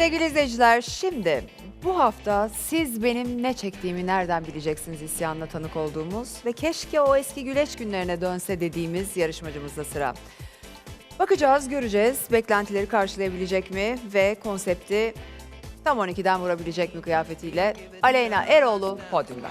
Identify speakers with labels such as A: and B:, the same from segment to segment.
A: Sevgili izleyiciler, şimdi bu hafta siz benim ne çektiğimi nereden bileceksiniz isyanına tanık olduğumuz ve keşke o eski güleç günlerine dönse dediğimiz yarışmacımızda sıra. Bakacağız, göreceğiz. Beklentileri karşılayabilecek mi ve konsepti tam 12'den vurabilecek mi kıyafetiyle? Aleyna Eroğlu podyumda.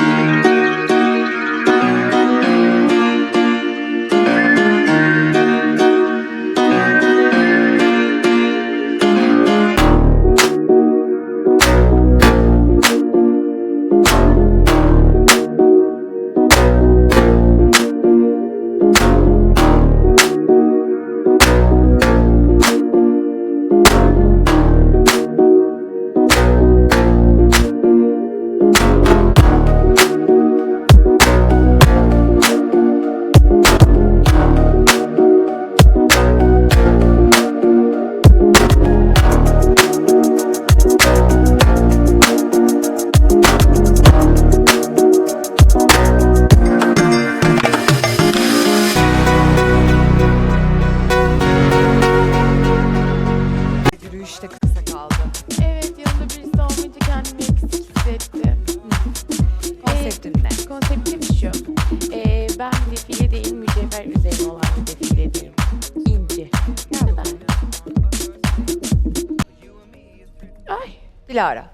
A: Yürüyüşte kısa kaldı.
B: Evet, yanında birisi olmayınca kendimi eksik hissettim.
A: Konseptin ne?
B: Konseptim şu. Ben defile değil, mücevher üzerine olan bir defileyim. İnci. Yani ben. Ay.
A: Dilara.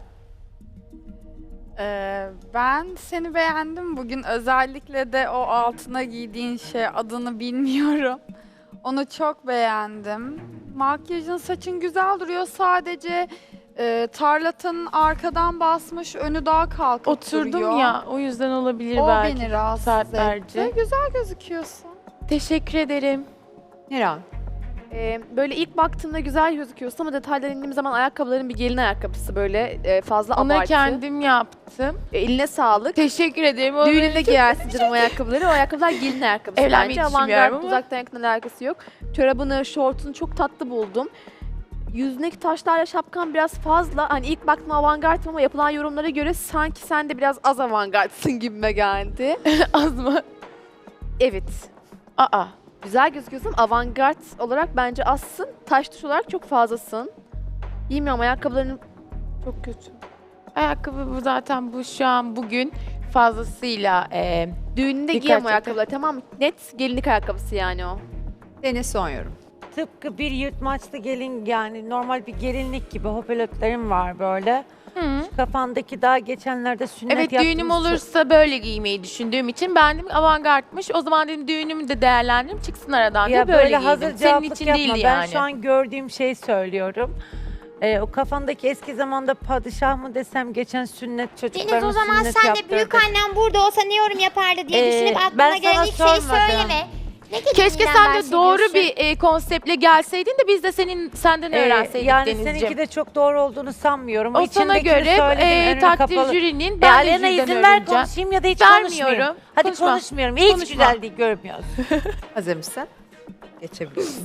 C: Ben seni beğendim bugün. Özellikle de o altına giydiğin şey, adını bilmiyorum. Onu çok beğendim. Makyajın, saçın güzel duruyor. Sadece tarlatanın arkadan basmış, önü daha kalkıp
B: Oturdum
C: duruyor.
B: ya, o yüzden olabilir
C: O
B: belki.
C: beni rahatsız
B: saatlerce.
C: etti. Güzel gözüküyorsun.
B: Teşekkür ederim.
A: Niran.
D: Böyle ilk baktığımda güzel gözüküyorsun ama detaylara indiğim zaman ayakkabıların bir gelin ayakkabısı böyle fazla
B: Onu
D: abartı.
B: kendim yaptım.
D: Eline sağlık.
B: Teşekkür ederim. O
D: Düğününde
B: benim-
D: giyersin canım o ayakkabıları. O ayakkabılar gelin ayakkabısı
B: Evlenmeyi
D: bence.
B: düşünmüyorum
D: Avantgard
B: ama.
D: uzaktan yakından alakası yok. Çorabını, şortunu çok tatlı buldum. Yüzündeki taşlarla şapkan biraz fazla. Hani ilk baktığımda avantgardım ama yapılan yorumlara göre sanki sen de biraz az avantgardsın gibime geldi.
B: Az mı?
D: Evet.
B: Aa.
D: Güzel gözüküyorsun. Avantgard olarak bence azsın. Taş tuş olarak çok fazlasın. Bilmiyorum, ayakkabıların çok kötü.
B: Ayakkabı bu zaten, bu şu an bugün fazlasıyla
D: Düğününde
B: Dikkat
D: giyem o
B: çekti.
D: ayakkabıları, tamam mı? Net gelinlik ayakkabısı yani o.
A: Deniz son yorum.
E: Tıpkı bir yırtmaçlı gelin, yani normal bir gelinlik gibi hoparlörlerim var böyle. Kafandaki daha geçenlerde sünnet
B: evet,
E: yaptığımız
B: düğünüm olursa böyle giymeyi düşündüğüm için ben dedim avantgardmış. O zaman dedim düğünümü de değerlendireyim, çıksın aradan
E: ya
B: diye böyle giydim.
E: hazır
B: Senin
E: cevaplık
B: için
E: yapma.
B: değil
E: Ben
B: yani.
E: şu an gördüğüm şeyi söylüyorum. O kafandaki eski zamanda padişah mı desem, geçen sünnet
F: Deniz,
E: çocuklarımız
F: o zaman
E: sünnet
F: sen de
E: yaptırdı.
F: büyük annem burada olsa ne yorum yapardı diye düşünüp
E: ben
F: aklına gelen
E: sana
F: ilk şeyi
E: sormadım.
F: söyleme. Ne gibi
B: Keşke
F: günden
B: sen de doğru
F: bahsediyorsun?
B: bir konseptle gelseydin de biz de senden öğrenseydik
E: yani
B: Denizciğim.
E: seninki de çok doğru olduğunu sanmıyorum.
B: O sana
E: İçindekini
B: göre
E: söyledin, önünü
B: takdir
E: kapalı.
B: jürinin, ben de
E: Alena
B: jüriden
E: izin ver
B: öğreneceğim.
E: konuşayım ya da hiç konuşmayayım.
B: Vermiyorum.
E: Hadi
B: Konuşma.
E: konuşmuyorum. Hiç
B: Konuşma.
E: güzel değil, görmüyoruz.
A: Hazır mısın? Geçebilirsin.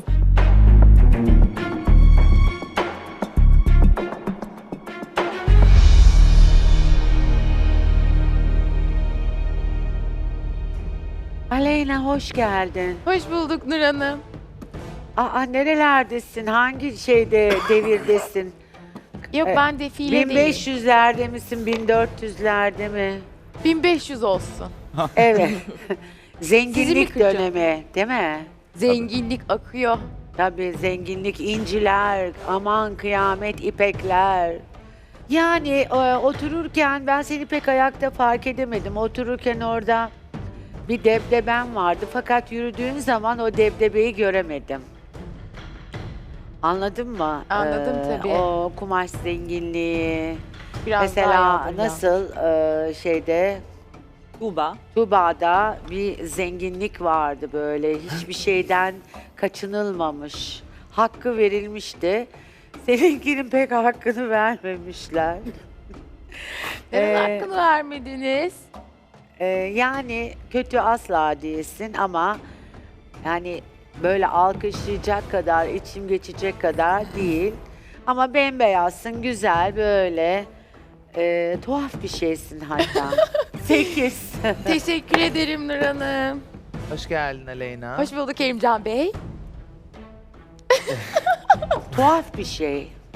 G: Aleyna hoş geldin.
B: Hoş bulduk Nur Hanım.
G: Aa nerelerdesin? Hangi devirdesin?
B: Yok, ben defile değilim.
G: 1500'lerde misin? 1400'lerde mi?
B: 1500 olsun.
G: Evet.
B: Sizi
G: Zenginlik
B: mi kıracağım?
G: dönemi, değil mi?
B: Zenginlik akıyor.
G: Tabii zenginlik, inciler, aman kıyamet, ipekler. Yani otururken ben seni pek ayakta fark edemedim. Otururken orada bir debdeben vardı fakat yürüdüğün zaman o debdebeyi göremedim. Anladın mı?
B: Anladım tabii.
G: O kumaş zenginliği.
B: Biraz daha
G: Mesela
B: yaldıracağım.
G: nasıl şeyde
E: Tuğba.
G: Tuba'da bir zenginlik vardı böyle. Hiçbir şeyden kaçınılmamış. Hakkı verilmişti. Seninkinin pek hakkını vermemişler.
B: Neden
G: Ee,
B: hakkını vermediniz?
G: Yani kötü asla değilsin ama yani böyle alkışlayacak kadar, içim geçecek kadar değil. Ama bembeyazsın, güzel böyle tuhaf bir şeysin hatta. 8.
B: Teşekkür ederim Nur Hanım.
H: Hoş geldin Aleyna.
B: Hoş bulduk Kerimcan Bey.
G: Tuhaf bir şey.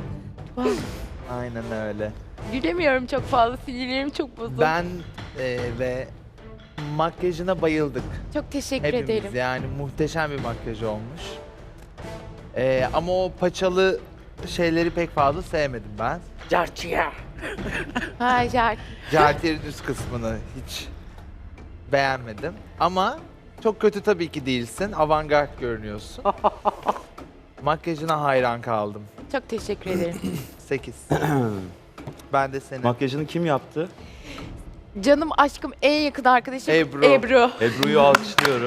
H: Aynen öyle.
B: Gülemiyorum çok fazla. Sinirlerim çok bozuldu.
H: Ben ve makyajına bayıldık.
B: Çok teşekkür
H: Hepimiz
B: ederim.
H: yani muhteşem bir makyaj olmuş. Ama o paçalı şeyleri pek fazla sevmedim ben.
G: Carçıya.
B: Ha Jack.
H: Jartier'in üst kısmını hiç beğenmedim. Ama çok kötü tabii ki değilsin. Avantgard görünüyorsun. Makyajına hayran kaldım.
B: Çok teşekkür ederim.
H: 8. Ben de senin.
I: Makyajını kim yaptı?
B: Canım aşkım en yakın arkadaşım
H: Ebru.
B: Ebru.
I: Ebru'yu alkışlıyorum.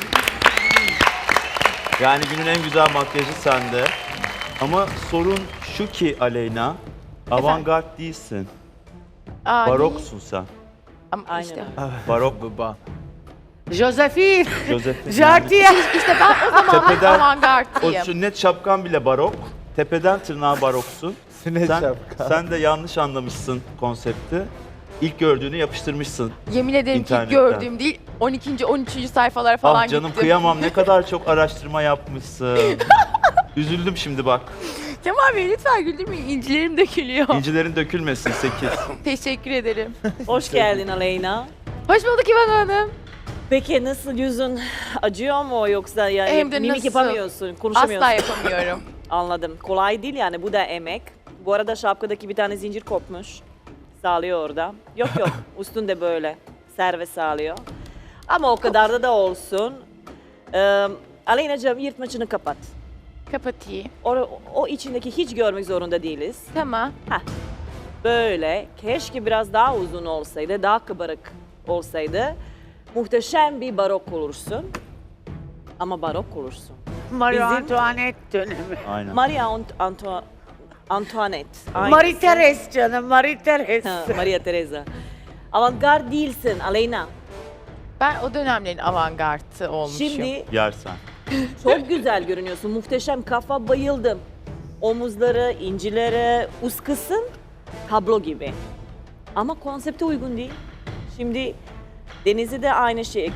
I: Yani günün en güzel makyajı sende. Ama sorun şu ki Aleyna, avantgard değilsin.
B: Aa,
I: Baroksun sen.
B: Ama işte.
I: Barok
H: Baba.
G: Josephine.
I: Josephine.
G: Jartiye.
B: İşte ben o zaman
I: Tepeden- O
B: avantgardıyım.
I: sünnet şapkan bile barok. Tepeden tırnağa baroksun.
H: Sünnet
I: Sen,
H: şapka.
I: sen de yanlış anlamışsın konsepti. İlk gördüğünü yapıştırmışsın.
B: Yemin ederim ki
I: İnternetten.
B: gördüğüm değil 12. 13. sayfalara falan
I: Ah canım
B: gittim.
I: kıyamam, ne kadar çok araştırma yapmışsın. Üzüldüm şimdi bak.
B: Kemal Bey lütfen güldürmeyin. İncilerim dökülüyor.
I: İncilerin dökülmesin 8.
B: Teşekkür ederim.
J: Hoş geldin Aleyna.
B: Hoş bulduk İvan Hanım.
J: Peki nasıl, yüzün acıyor mu yoksa yani
B: Hem de
J: mimik
B: nasıl?
J: yapamıyorsun, konuşamıyorsun?
B: Asla yapamıyorum.
J: Anladım. Kolay değil yani, bu da emek. Bu arada şapkadaki bir tane zincir kopmuş. Sağlıyor orada. Yok yok, üstünde böyle serve sağlıyor. Ama o kadar da olsun. Aleyna'cığım yırtmacını kapat.
B: Kapatayım.
J: O içindeki hiç görmek zorunda değiliz.
B: Tamam.
J: Böyle keşke biraz daha uzun olsaydı, daha kabarık olsaydı. Muhteşem bir barok olursun. Ama barok olursun.
G: Marie
J: Bizim-
G: Antoinette dönemi.
I: Aynen.
J: Maria Antoinette. Aynısı.
G: Marie Therese canım, Marie Therese.
J: Ha, Maria Teresa. Avantgard değilsin Aleyna.
B: Ben o dönemlerin avantgardı olmuşum.
J: Şimdi
I: Yersen.
J: çok güzel görünüyorsun. Muhteşem kafa, bayıldım. Omuzları, incileri, üst kısım tablo gibi. Ama konsepte uygun değil. Şimdi Deniz'e de aynı şey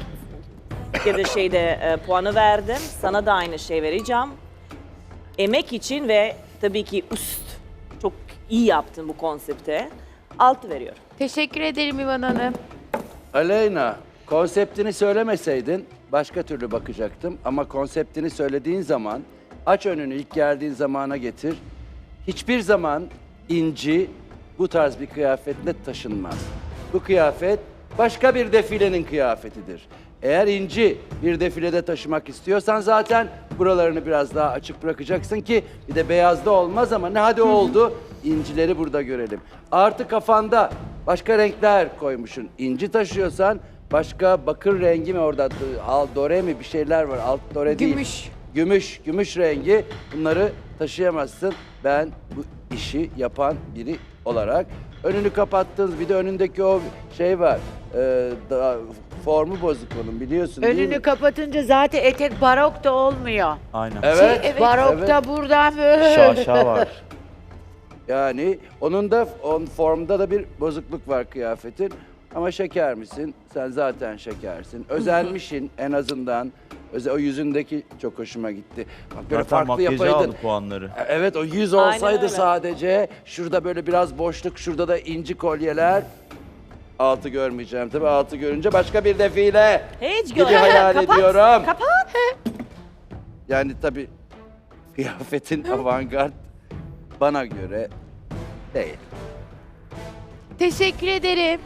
J: puanı verdim. Sana da aynı şey vereceğim. Emek için ve tabii ki üst. Çok iyi yaptın bu konsepte. 6 veriyorum.
B: Teşekkür ederim İvan Hanım.
K: Aleyna, konseptini söylemeseydin başka türlü bakacaktım. Ama konseptini söylediğin zaman, aç önünü ilk geldiğin zamana getir. Hiçbir zaman inci bu tarz bir kıyafetle taşınmaz. Bu kıyafet başka bir defilenin kıyafetidir. Eğer inci bir defilede taşımak istiyorsan zaten buralarını biraz daha açık bırakacaksın ki bir de beyazda olmaz ama ne hadi oldu, incileri burada görelim. Artı kafanda başka renkler koymuşsun. İnci taşıyorsan başka bakır rengi mi orada, dore mi bir şeyler var, alt dore değil. Gümüş rengi, bunları taşıyamazsın. Ben bu işi yapan biri olarak önünü kapattınız, bir de önündeki o şey var, formu bozuk onun biliyorsun değil mi?
G: Önünü kapatınca zaten etek barok da olmuyor.
I: Aynen.
K: Evet,
G: Barokta buradan böyle.
I: Şaşa var.
K: yani onun da formda da bir bozukluk var kıyafetin. Ama şeker misin? Sen zaten şekersin. Özenmişsin en azından. O yüzündeki çok hoşuma gitti. Bak böyle
I: Zaten
K: farklı
I: makyajı
K: yapaydın.
I: aldı puanları.
K: Evet, o yüz
J: Aynen
K: olsaydı
J: öyle.
K: sadece şurada böyle biraz boşluk, şurada da inci kolyeler. 6 görmeyeceğim tabii. 6 görünce başka bir defile
J: Hiç
K: gibi
J: görmedim.
K: hayal
J: Kapat,
K: ediyorum.
J: Kapat.
K: Yani tabii kıyafetin avantgard bana göre değil.
B: Teşekkür ederim.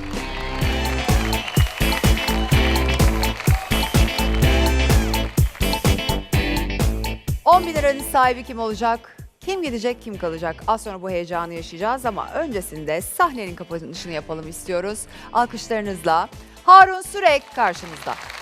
A: $10.000 liranın sahibi kim olacak? Kim gidecek, kim kalacak? Az sonra bu heyecanı yaşayacağız ama öncesinde sahnenin kapanışını yapalım istiyoruz. Alkışlarınızla Harun Sürek karşımızda.